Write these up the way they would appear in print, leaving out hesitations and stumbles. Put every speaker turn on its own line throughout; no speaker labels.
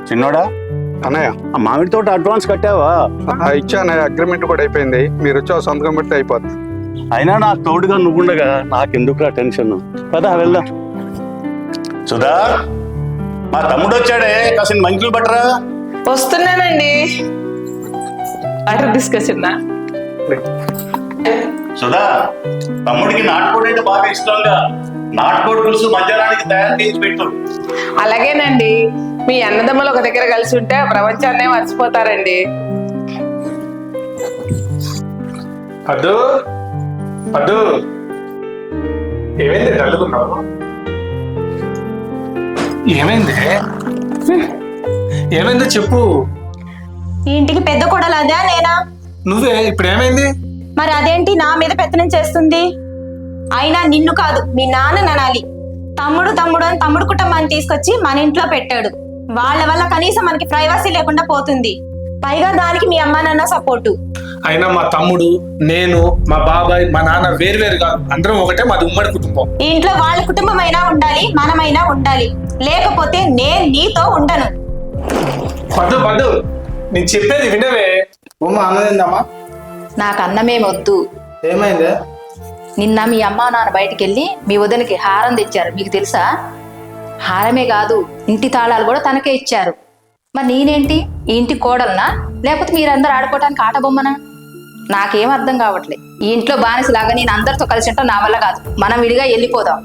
చిన్నోడా,
అన్నయ్య
ఆ మామిడి తోట అడ్వాన్స్ కట్టావా?
ఇచ్చా అన్నయ్య, అగ్రిమెంట్ కూడా అయిపోయింది. మీరు వచ్చి సంతకం పెడితే అయిపోద్ది.
అయినా నాకు తోడుగా నువ్వుండగా నాకెందుకురా టెన్షన్? పదా వెళ్దాం. సుధా, మా తమ్ముడు వచ్చాడే, కాసిన మంచులు పట్టరా.
వస్తున్నానండి. వాటర్ తీసుకొచ్చిందా?
సుధా, తమ్ముడికి నాటుకోడి అంటే బాగా ఇష్టంగా. నాటుకోడి పులుసు మధ్యాహ్నానికి తయారు చేసి పెట్టు.
అలాగేనండి. మీ అన్నదమ్ములు ఒక దగ్గర కలిసి ఉంటే ప్రపంచాన్నే మర్చిపోతారండి.
అద్దు అద్దు, ఏమైంది డల్లుకున్నావు? ఏమైంది? ఏమైందో చెప్పు.
ఈ ఇంటికి పెద్ద కోడలు అదే నేనా?
నువ్వే. ఇప్పుడు ఏమైంది?
మరి అదేంటి నా మీద పెత్తనం చేస్తుంది? అయినా నిన్ను కాదు, మీ నాన్న ననాలి. తమ్ముడు తమ్ముడు అని తమ్ముడు కుటుంబాన్ని తీసుకొచ్చి మన ఇంట్లో పెట్టాడు. వాళ్ళ వల్ల కనీసం మనకి ప్రైవసీ లేకుండా పోతుంది. పైగా దానికి మీ అమ్మ నాన్న సపోర్టు.
అయినా మా తమ్ముడు, నేను, మా బాబాయ్, మా నాన్న వేరు కాదు, అందరం ఒకటే. మాది ఉమ్మడి కుటుంబం.
ఈ ఇంట్లో వాళ్ళ కుటుంబం అయినా ఉండాలి, మనమైనా ఉండాలి. లేకపోతే నేను నీతో ఉండను.
పద్దు పద్దు, నేను చెప్పేది వినవే.
అన్నదిందమ్మా,
నాకు అన్నమే వద్దు.
ఏమైంది?
నిన్న మీ అమ్మ నాన్న బయటికి వెళ్ళి మీ వదినకి హారం తెచ్చారు, మీకు తెలుసా? హారమే కాదు, ఇంటి తాళాలు కూడా తనకే ఇచ్చారు. మరి నేనేంటి ఈ ఇంటి కోడలనా, లేకపోతే మీరందరూ ఆడుకోవటానికి ఆట బొమ్మనా? నాకేం అర్థం కావట్లేదు. ఈ ఇంట్లో బానిసలాగా నేను అందరితో కలిసి ఉంటాం నా వల్ల కాదు. మనం విడిగా వెళ్ళిపోదాం.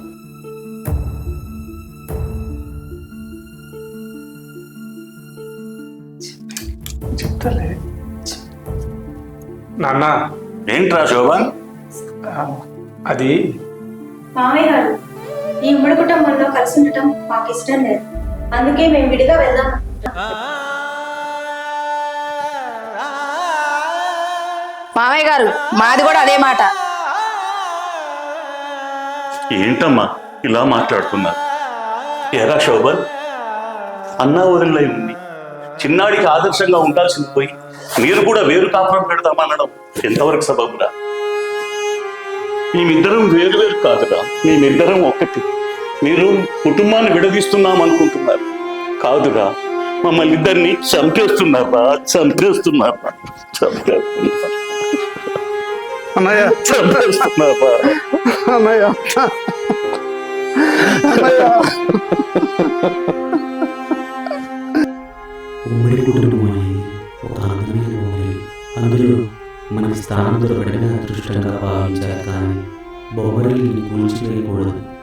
చెప్తాలే నాన్న.
ఏంట్రా శోభన్?
అది
మామయ్య గారు, ఈ ఉమ్మడి కుటుంబంలో కలిసి ఉండటం మాకు ఇష్టం లేదు. అందుకే మేము విడిగా వెళ్దాం. మామయ్య గారు, మాది కూడా అదే మాట.
ఏంటమ్మా ఇలా మాట్లాడుతున్నారు? ఎరా శోభన్, అన్నా ఊరిలో ఉంది. చిన్నాడికి ఆదర్శంగా ఉండాల్సింది పోయి మీరు కూడా వేరు కాపురం పెడదామనడం ఎంతవరకు సబబురా? మేమిద్దరం వేరు వేరు కాదురా, మేమిద్దరం ఒక్కటి. మీరు కుటుంబాన్ని విడదీస్తున్నాం అనుకుంటున్నారు. కాదురా, మమ్మల్ని ఇద్దరిని చంపేస్తున్నారా, చంపేస్తున్నారా, చంపేస్తున్నారా,
అన్నయ్య
చంపేస్తున్నారా?
అన్నయ్య అన్నయ్య
ఉమ్మడి కుటుంబం అనేది ఒక అందమైన బొమ్మలి. అందులో మనకి స్థానం దొరకడమే అదృష్టంగా భావించారు. కానీ బొమ్మరిల్ని కూల్చివేయకూడదు.